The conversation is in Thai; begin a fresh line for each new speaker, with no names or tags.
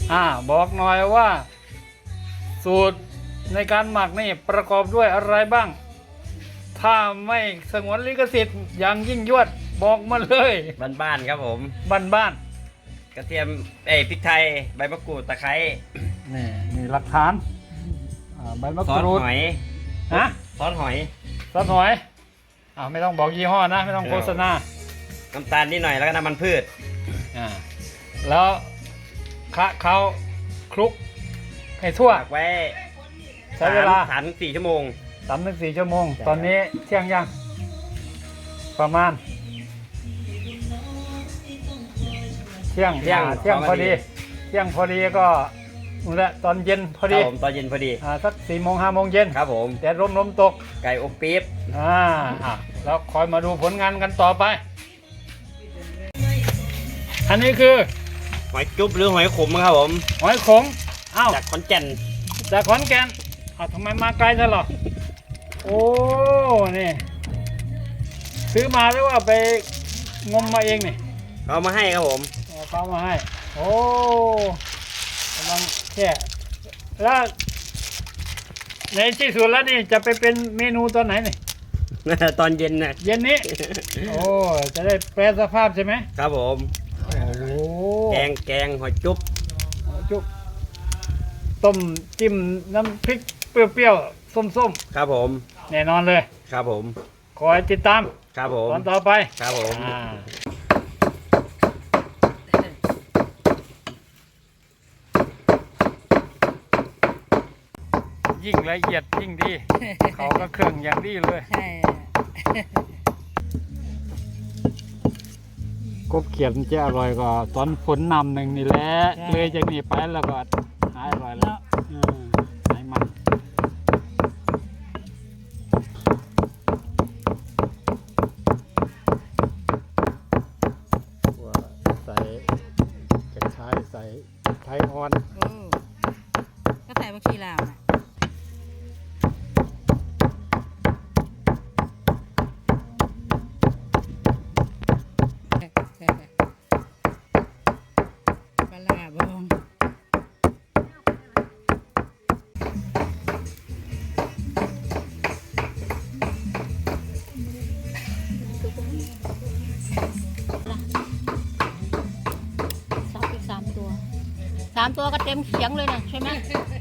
บอกหน่อยว่า สูตรในการหมักนี่ประกอบด้วยอะไรบ้าง ถ้าไม่สงวนลิขสิทธิ์อย่างยิ่งยวดบอกมาเลย
บ้านๆครับผม
บ้าน
กระเทียมพริกไทยใบมะกรูดตะไคร้
ๆนี่หลักฐานใบมะ
ซอก ส
รูด
หอย
ฮะ
ซอสหอย
ซอสหอยไม่ต้องบอกยี่ห้อนะไม่ต้องโฆษณา
น้ำตาลนิดหน่อยแล้วก็น้ำมันพืช
แล้วคะเขาคลุกให้ทั่ว
ตากไว้
ใช้เวลา
3-4 ชั่วโมง
3-4 ชั่วโมง
ใช่
ตอนนี้เที่ยงยังประมาณเที่ยงพอดีเที่ยงพอดีก็นู่นแหละตอนเย็นพอ
ครั
ดี
บผมตอนเย็นพอดี
สัก4-5 โมงเย็น
ครับผม
แดดลมตก
ไก่อบปี๊บ
แล้วคอยมาดูผลงานกันต่อไป อันนี้คือ
หอยจุ๊บหรือหอยขมครับผม
หอยขมอ้าว
จากขอนแก่น
จากขอนแก่นทำไมมาไกลจังหรอโอ้นี่ซื้อมาหรือว่าไปงมมาเองนี่
เอามาให้ครับผม
เอาเขามาให้โอ้กำลังแค่แล้วในที่สุดแล้วนี่จะไปเป็นเมนูตอนไหนนี่
ตอนเย็นนะ
เย็นนี้ โอ้จะได้แปรสภาพใช่ไหม
ครับผม
โอ้โห
แกงหอยจุ๊บ
จุ๊บต้มจิ้มน้ำพริกเปรี้ยวๆส้ม
ครับผม
ๆแน่นอนเลย
ครับผม
คอยติดตาม
ครับผม
ตอนต่อไป
ครับผม
ยิ่งละเอียดยิ่งดี เขาก็เครื่องอย่างดีเลย
ใช่
กบเขียดมันจะอร่อยกว่าตอนฝนนำหนึ่งนี่แหละเลยจากนี้ไปแล้วก็หายอร่อยแล้วหายมันใส่กระชายใส่ไทยอ่อน
ก็ใส่ผักชีลาวนะปลาร้าบองสับอีก3 ตัวก็เต็มเขียงเลยนะใช่ไหม